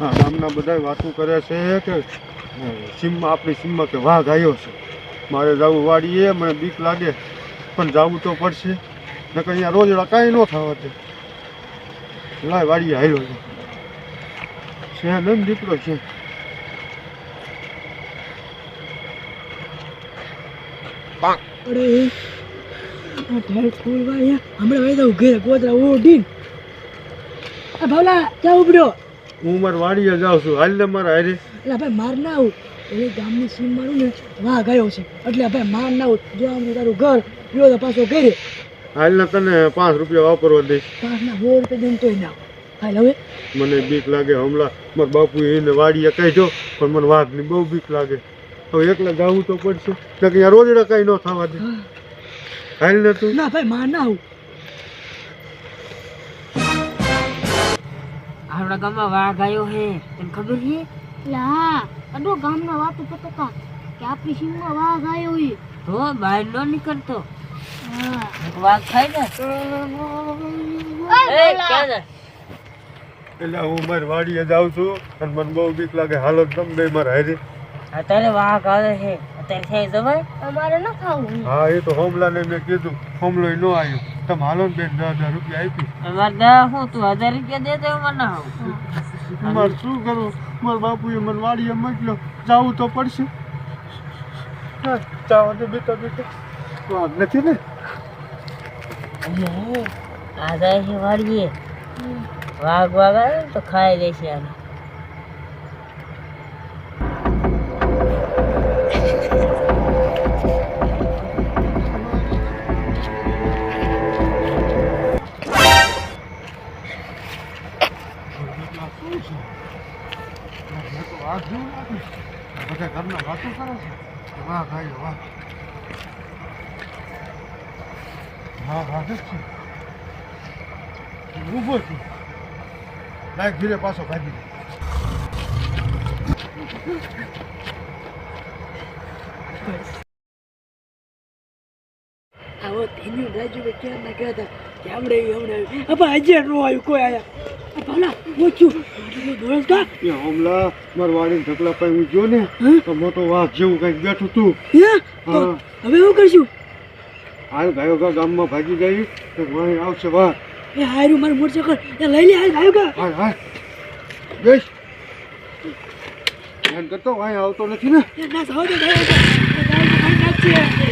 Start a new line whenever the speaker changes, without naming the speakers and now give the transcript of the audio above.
હા ગામના બધા વાતું કરે છે કે સીમમાં આપણી સીમમાં કે વાઘ આવ્યો છે. મારે જવું વાડીએ, મને બીક લાગે પણ જવું તો પડશે, નકર અહીંયા રોજડા કાંઈ ન થવા દે. લાય વાડીએ હાલ્યો છે ને દીકરો છે.
અરે ઢેર ફૂલ ભાઈ હમણાં ભાઈ તો ઘેર ગોદરા ઓઢી ભાવલા ક્યાં ઉપડ્યો?
હું મારી વાડીએ જાઉં છું, હાલ ને મારા હારે.
એટલે ભાઈ માર ના આવું, એ ગામની સીમ મારું ને વાઘ આવ્યો છે એટલે ભાઈ માર ના આવું. જો આમ તારું ઘર ગયો તો પાછો ઘરે.
હાલ ને તને 5 રૂપિયા વાપરવા દઈશ.
5 ના 100 રૂપિયા દેમ તોય ના હાલ. હવે
મને બીક લાગે, હમણાં મારા બાપુ એને વાડીએ કહેજો પણ મને વાઘની બહુ બીક લાગે. હવે એકલા જવું તો પડશે, એટલે કે અહીંયા રોજડા કાંઈ ન થવા દે. હાલ ને તું.
ના ભાઈ માર ના આવું.
આપણા ગામમાં વાઘ આવ્યો હે, તને ખબર છે?
લા અડો ગામના વાતો પતકા કે આપણી સીમમાં વાઘ આવ્યો હે.
તો બહાર ન નીકળતો.
હા
વાઘ ખાય ને.
ઓય
એ
બોલા.
ક્યાં જાય?
એટલે હું મારી વાડીએ જાઉં છું અને મને બહુ બીક લાગે. હાલો તમે બે મારા હારે.
અત્યારે વાઘ આવે છે, અત્યારે થઈ જવાય.
અમારે ન ખાવું.
હા એ તો હોમલાને મેં કીધું, હોમલોય ન આવ્યો. તમે હાલો ને બેન 10,000 રૂપિયા આપી.
અમારે દા હું તું 1000 રૂપિયા દે તો મને ના આવું.
મારે શું કરવું? મારા બાપુએ મને વાડીએ મોકલ્યો, જવું તો પડશે. ચાવા દે બેટા બેટા. વાઘ નથી ને?
આ જાય છે વાડીએ. વાઘ વાઘ આવે ને તો ખાઈ લેશે આને.
વાઘ જેવું લાગે. બધા ઘરના વાતો કરે છે. વાઘ આવ્યો વાઘ. હા વાઘ જ છે. ઊભો છું. લાઈક ધીરે પાછો ભાગી.
આવો તેની રાજુ કે ક્યાં ના કહેતા કે હમણે અપા હજે નો આવ્યું કોઈ આયા. ભાવલા ઓછું દોડ કા
એ હમલા મારા વાડીને ઢગલા પાઈ હું ગયો ને તો મોટો વાઘ જેવું કંઈક બેઠું તું.
હે તો
હા.
હવે શું કરશું?
હાલ ગાયો ગા ગામમાં ભાગી ગઈ તો વાંહી આવશે વાઘ.
એ હારું મારું મોટરસાઇકલ એ લઈ લે હાલ ગાયો કા.
હાલ હાલ બેસ. ધ્યાન કરતો વાંહી આવતો નથી ને.
એ ના સાવ દે ગાયો કા. ગાયો કા નાખશે.